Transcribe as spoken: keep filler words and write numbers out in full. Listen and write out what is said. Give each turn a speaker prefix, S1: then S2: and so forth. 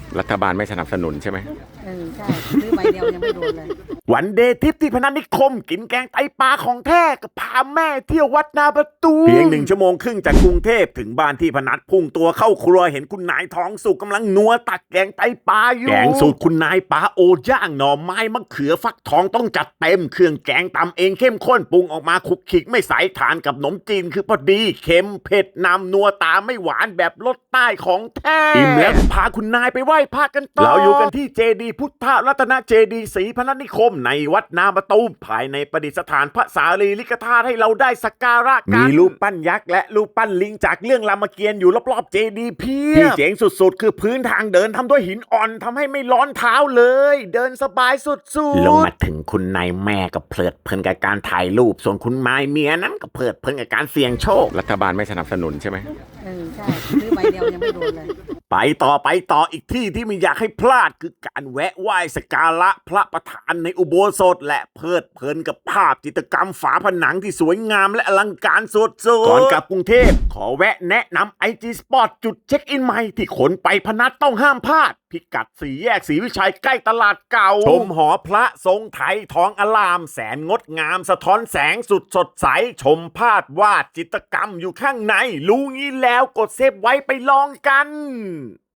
S1: รัฐบาลไม่สนับสนุนใช่ไหม
S2: เออใช่ซื้อใบเดียวยังไม่โดนเลย
S3: วันเดย์ทริปที่พนัสนิคมกินแกงไตปลาของแท้กับพาแม่เที่ยววัดนาประตูเพียงหนึ่งชั่วโมงครึ่งจากกรุงเทพถึงบ้านที่พนัสพุ่งตัวเข้าครัวเห็นคุณนายทองสุกกำลังนัวตักแกงไตปลาอยู่แกงสูตรคุณนายปลาโอย่างหน่อไม้มะเขือฟักทองต้องจัดเต็มเครื่องแกงตำเองเข้มข้นปรุงออกมาคลุกคลิกไม่ใส่ทานกับขนมจีนคือพอดีเค็มเผ็ดนำนัวตาไม่หวานแบบรสใต้ของแท้อิ่มแล้วพาคุณนายไปไหว้พระกันต่อเราอยู่กันที่เจดีย์พุทธรัตนเจดีย์ศรีพนัสนิคมในวัดนาประตูภายในประดิษฐานพระสารีริกธาตุให้เราได้สักการะกันมีรูปปั้นยักษ์และรูปปั้นลิงจากเรื่องรามเกียรติ์อยู่รอบๆเจดีย์เพียบที่เจ๋งสุดๆคือพื้นทางเดินทำด้วยหินอ่อนทำให้ไม่ร้อนเท้าเลยเดินสบายสุดๆลงมาถึงคุณนายแม่ก็เพลิดเพลินกับการถ่ายรูปส่วนคุณนายเมียนั้นก็เพลิดเพลินกับการเสี่ยงโชค
S1: รัฐบาลไม่สนับสนุนใช่ไหม
S2: เออใช่ซื้อใบเดียวยังไม่โดนเลย
S3: ไปต่อไปต่ออีกที่ที่ไม่อยากให้พลาดคือการแวะไหว้สักการะพระประธานในอุโบสถและเพลิดเพลินกับภาพจิตรกรรมฝาผนังที่สวยงามและอลังการสุดๆก่อนกลับกรุงเทพขอแวะแนะนำ ไอ จี Spot จุดเช็คอินใหม่ที่คนไปพนัสต้องห้ามพลาดพิกัดสี่แยกศรีวิชัยใกล้ตลาดเก่าชมหอพระทรงไทยทองอลามแสนงดงามสะท้อนแสงสุดสดใสชมภาพวาดจิตรกรรมอยู่ข้างในรู้งี้แล้วกดเซฟไว้ไปลองกัน